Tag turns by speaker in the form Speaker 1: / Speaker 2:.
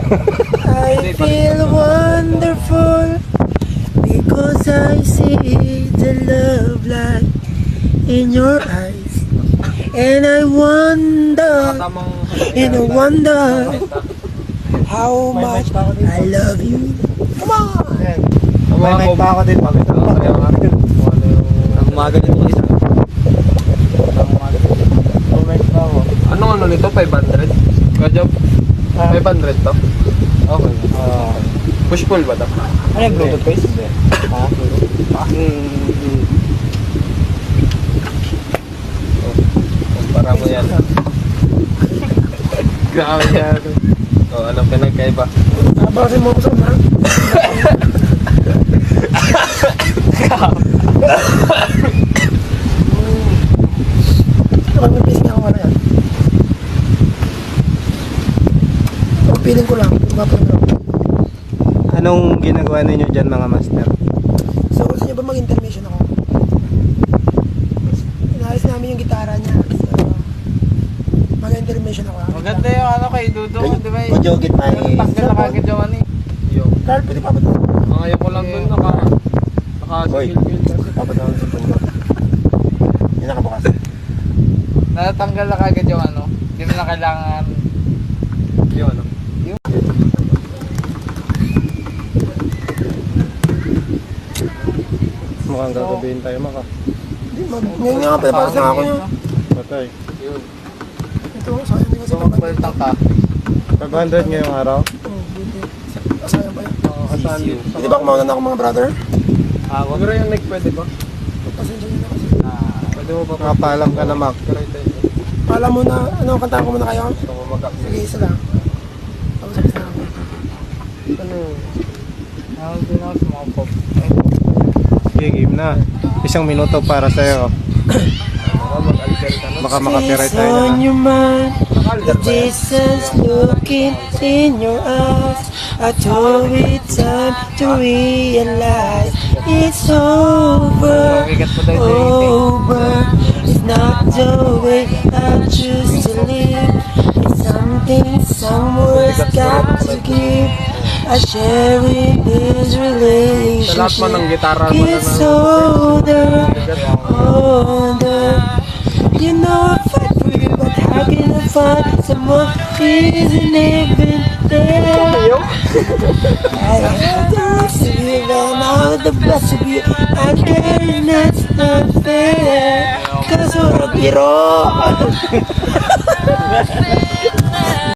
Speaker 1: I feel wonderful because I see the love light in your eyes. And I wonder, and I wonder how much I love you. Come on!
Speaker 2: May mic pa ako din. Ang umaga nito isa. Anong ano nito? 500? Kajob? 500 to? Okay. Push pull ba to?
Speaker 3: Ano yung Bluetooth guys?
Speaker 2: Kumpara mo yan. Grabe yan. O, anong pinagkaiba?
Speaker 1: Bawasin mo ako sa mga. Kapag may pising ako na yan. Ang feeling ko lang, mapagod.
Speaker 3: Anong ginagawa ninyo dyan mga master?
Speaker 1: So, gusto niyo ba mag-intermission ako? Inaayos namin yung gitara niya. So, mag-intermission ako.
Speaker 4: Maganda yung ano kay Dudong, di ba?
Speaker 3: Kujogit pa
Speaker 4: Tanggal na kagad yung ano eh.
Speaker 2: Yung,
Speaker 1: Carl, pwede pa ba ito?
Speaker 2: ngayon ko lang dun naka-skill-skill kasi.
Speaker 3: Papadawin sa puno. Yung nakabukas.
Speaker 4: Natanggal na kagad yung ano. Hindi mo na kailangan.
Speaker 2: Yung ano?
Speaker 3: Mukhang gagabihin tayo maka.
Speaker 1: Hindi, ngayon nga pala, para sa ako yun.
Speaker 3: Patay.
Speaker 2: Yun.
Speaker 1: Ito, sayang din kasi
Speaker 4: So, magpalitan ka.
Speaker 3: 500 ngayong araw?
Speaker 1: Oh, buti. Sayang pa yun.
Speaker 3: Kasaan din?
Speaker 1: Pwede ba kumauna na ako mga brother?
Speaker 2: Siguro yung neck pwede ba?
Speaker 1: Pasensya nyo na kasi.
Speaker 2: Pwede mo ba?
Speaker 3: Nakapaalam ka na Mac.
Speaker 1: Alam mo na, ano, kantahan ko muna kayo?
Speaker 2: Gusto ko mag-update.
Speaker 1: Sige, isa lang. Tapos isa lang.
Speaker 2: Ano?
Speaker 4: Ako din ako sa mga pop.
Speaker 3: Sige, game na. 1 minuto para sa'yo.
Speaker 2: Mag-alter ka na.
Speaker 3: Baka makapiright tayo
Speaker 1: on
Speaker 3: na.
Speaker 1: your mind, the
Speaker 2: Naka-alter ba yan?
Speaker 1: distance looking in your eyes. I told it time to realize it's over,
Speaker 4: Mabigat pa tayo sa
Speaker 1: over. It's not the way I choose to live. It's something someone's got to give. I share in this
Speaker 2: Sa lahat man ng
Speaker 1: relationship.
Speaker 2: gitara mo na
Speaker 1: It's older, older. You know I fight for you, but how can I find someone who isn't even there? I have the rest of you, and all the best of you. I care, and that's not fair. Cause we're a biro.